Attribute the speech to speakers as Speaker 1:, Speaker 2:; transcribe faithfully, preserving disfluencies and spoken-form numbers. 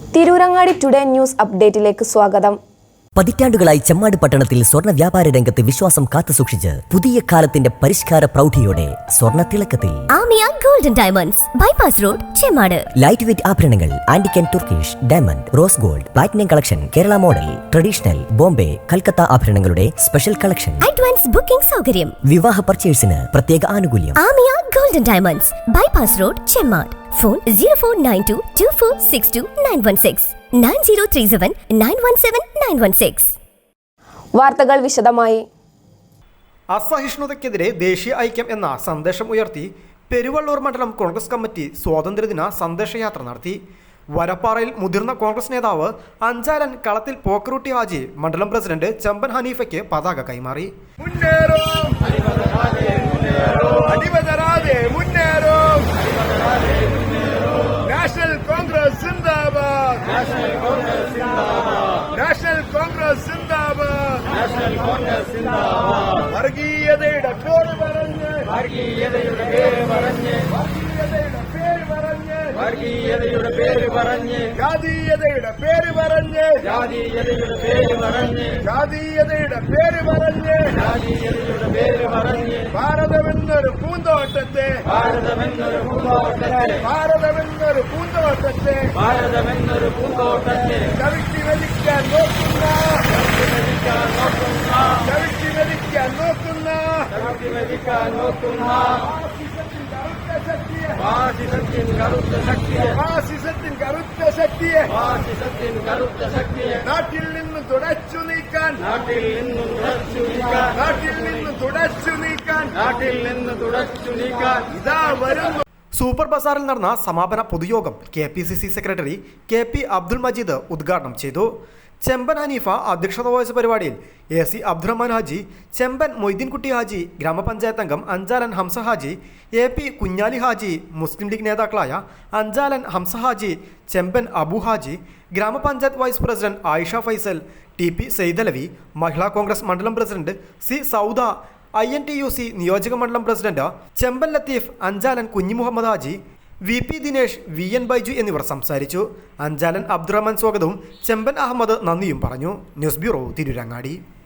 Speaker 1: Tirurangadi today news അപ്ഡേറ്റിലേക്ക് സ്വാഗതം.
Speaker 2: പതിറ്റാണ്ടുകളായി ചെമ്മാട് പട്ടണത്തിൽ സ്വർണ്ണ വ്യാപാര രംഗത്ത് വിശ്വാസം കാത്തുസൂക്ഷിച്ച് പുതിയ കാലത്തിന്റെ പരിഷ്കാര പ്രൗഢിയോടെ സ്വർണ്ണ തിളക്കത്തിൽ
Speaker 3: Amiya golden diamonds bypass road Chemmad.
Speaker 2: Light weight ആഭരണങ്ങൾ, antique and Turkish, diamond, rose gold, platinum collection, Kerala model, traditional, Bombay, Calcutta ആഭരണങ്ങളുടെ സ്പെഷ്യൽ കളക്ഷൻ,
Speaker 3: അഡ്വാൻസ് ബുക്കിംഗ് സൗകര്യം,
Speaker 2: വിവാഹ പർച്ചേസിന് പ്രത്യേക ആനുകൂല്യം.
Speaker 3: Amiya golden diamonds bypass road Chemmad. Phone zero four nine two two four six two nine one six nine zero three seven nine one seven nine one six.
Speaker 1: വാർത്തകൾ വിശദമായി.
Speaker 4: അസഹിഷ്ണുതയ്ക്കെതിരെ ദേശീയ ഐക്യം എന്ന സന്ദേശം ഉയർത്തി പെരുവള്ളൂർ മണ്ഡലം കോൺഗ്രസ് കമ്മിറ്റി സ്വാതന്ത്ര്യദിന സന്ദേശയാത്ര നടത്തി. വരപ്പാറയിൽ മുതിർന്ന കോൺഗ്രസ് നേതാവ് അഞ്ചാലൻ കളത്തിൽ പോക്കറൂട്ടി ഹാജി മണ്ഡലം പ്രസിഡന്റ് ചെമ്പൻ ഹനീഫയ്ക്ക് പതാക കൈമാറി.
Speaker 5: നാഷണൽ കോൺഗ്രസ് സിന്ദാബാദ്, നാഷണൽ കോൺഗ്രസ് സിന്ദാബാദ്, നാഷണൽ കോൺഗ്രസ് സിന്ദാബാദ്, നാഷണൽ കോൺഗ്രസ് സിന്ദാബാദ്. വർഗീയതയുടെ പേര് പറഞ്ഞ്, വർഗീയതയുടെ പേര് പറഞ്ഞ്, വർഗീയതയുടെ പേര് പറഞ്ഞ്, വർഗീയതയുടെ പേര് പറഞ്ഞ്, ജാതീയതയുടെ പേര് പറഞ്ഞ്, ജാതീയതയുടെ പേര് പറഞ്ഞ്, ജാതീയതയുടെ പേര് പറഞ്ഞ്, ജാതീയതയുടെ പേര് പറഞ്ഞ്, ഭാരതമെന്നൊരു പൂന്തോട്ടത്തെ, ഭാരതമെന്നൊരു പൂന്തോട്ടത്തെ, ഭാരതമെന്നൊരു പൂന്തോട്ടത്തെ, ഭാരതമെന്നൊരു പൂന്തോട്ടത്തെ ചവിട്ടി വലിക്കാൻ നോക്കുന്ന, ചവിട്ടി വലിക്കാൻ നോക്കുന്ന, ചവിട്ടി വലിക്കാൻ നോക്കുന്ന, ചവിട്ടി വലിക്കാൻ നോക്കുന്ന ഫാസിസത്തിൻ കറുത്ത ശക്തിയെ, ഫാസിസത്തിൻ കറുത്ത ശക്തിയെ, ഫാസിസത്തിൻ കറുത്ത ശക്തിയെ നാട്ടിൽ നിന്ന് തുടച്ചു നീക്കാൻ, നാട്ടിൽ നിന്ന് തുടച്ചു നീക്കാൻ, നാട്ടിൽ നിന്ന് തുടച്ചു നീക്കാൻ, നാട്ടിൽ നിന്ന് തുടച്ചു നീക്കാൻ ഇതാ വരുന്നു.
Speaker 4: സൂപ്പർ ബസാറിൽ നടന്ന സമാപന പൊതുയോഗം K P C C secretary K P Abdul Majeed ഉദ്ഘാടനം ചെയ്തു. ചെമ്പൻ ഹനീഫ അധ്യക്ഷത വഹിച്ച പരിപാടിയിൽ എ സി അബ്ദുറഹ്മാൻ ഹാജി, ചെമ്പൻ മൊയ്തീൻകുട്ടി ഹാജി, ഗ്രാമപഞ്ചായത്ത് അംഗം അഞ്ചാലൻ ഹംസ ഹാജി, എ പി കുഞ്ഞാലി ഹാജി, മുസ്ലിം ലീഗ് നേതാക്കളായ അഞ്ചാലൻ ഹംസ ഹാജി, ചെമ്പൻ അബു ഹാജി, ഗ്രാമപഞ്ചായത്ത് vice president Ayisha Faisal, T P Saidalavi, Mahila Congress മണ്ഡലം president C Sauda, I N T U C നിയോജക മണ്ഡലം പ്രസിഡന്റ് ചെമ്പൻ ലത്തീഫ്, അഞ്ചാലൻ കുഞ്ഞി Muhammad Haji, V P Dinesh, V N Baiju എന്നിവർ സംസാരിച്ചു. അഞ്ചാലൻ അബ്ദുറഹ്മാൻ സ്വാഗതവും ചെമ്പൻ അഹമ്മദ് നന്ദിയും പറഞ്ഞു. News bureau, Tirurangadi.